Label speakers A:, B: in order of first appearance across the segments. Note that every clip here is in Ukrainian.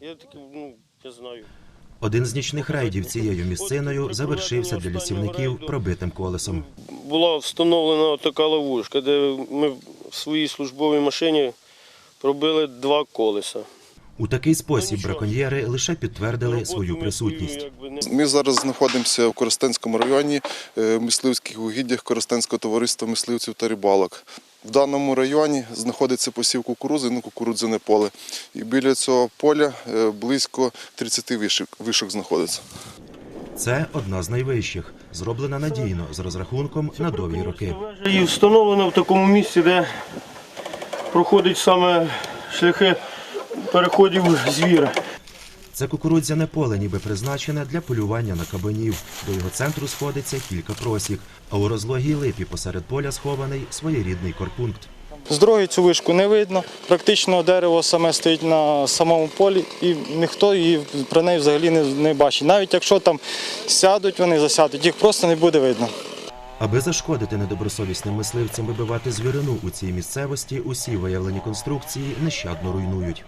A: Я таки, я знаю.
B: Один з нічних рейдів цією місциною завершився для лісівників пробитим колесом.
A: Була встановлена така ловушка, де ми в своїй службовій машині пробили 2 колеса.
B: У такий спосіб браконьєри лише підтвердили свою присутність.
C: Ми зараз знаходимося в Коростенському районі, в мисливських угіддях Коростенського товариства мисливців та рибалок. В даному районі знаходиться посів кукурудзи, кукурудзяне поле. І біля цього поля близько 30 вишок знаходиться.
B: Це одна з найвищих, зроблена надійно, з розрахунком на довгі роки.
A: І встановлена в такому місці, де проходять саме шляхи переходів звіра.
B: Це кукурудзяне поле ніби призначене для полювання на кабанів. До його центру сходиться кілька просік, а у розлогій липі посеред поля схований своєрідний корпункт.
D: З дороги цю вишку не видно, практично дерево саме стоїть на самому полі і ніхто її про неї взагалі не бачить. Навіть якщо там сядуть, вони засядуть, їх просто не буде видно.
B: Аби зашкодити недобросовісним мисливцям вибивати звірину у цій місцевості, усі виявлені конструкції нещадно руйнують.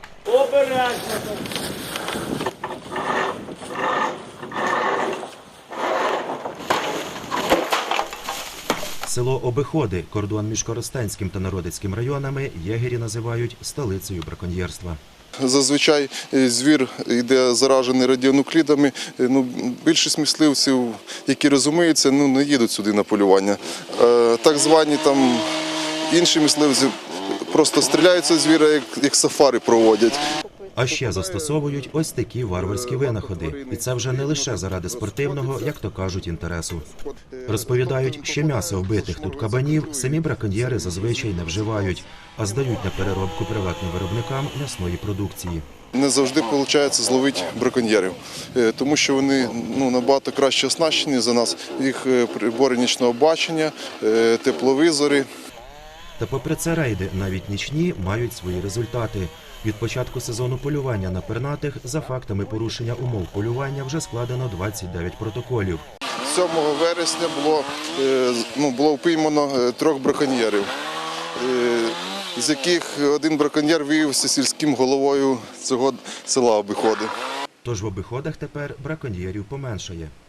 B: Село Обиходи, кордон між Коростенським та Народицьким районами, єгері називають столицею браконьєрства.
C: Зазвичай звір йде заражений радіонуклідами. Більшість мисливців, які розуміються, не їдуть сюди на полювання. Так звані інші мисливці просто стріляються звіра, як сафари проводять.
B: А ще застосовують ось такі варварські винаходи. І це вже не лише заради спортивного, як то кажуть, інтересу. Розповідають, що м'ясо вбитих тут кабанів самі браконьєри зазвичай не вживають, а здають на переробку приватним виробникам м'ясної продукції.
C: Не завжди виходить зловити браконьєрів, тому що вони набагато краще оснащені за нас. Їх прибори нічного бачення, тепловізори.
B: Та попри це рейди, навіть нічні, мають свої результати. Від початку сезону полювання на пернатих за фактами порушення умов полювання вже складено 29 протоколів.
C: 7 вересня було впіймано 3 браконьєрів, з яких один браконьєр виявився сільським головою цього села Обиходи.
B: Тож в Обиходах тепер браконьєрів поменшає.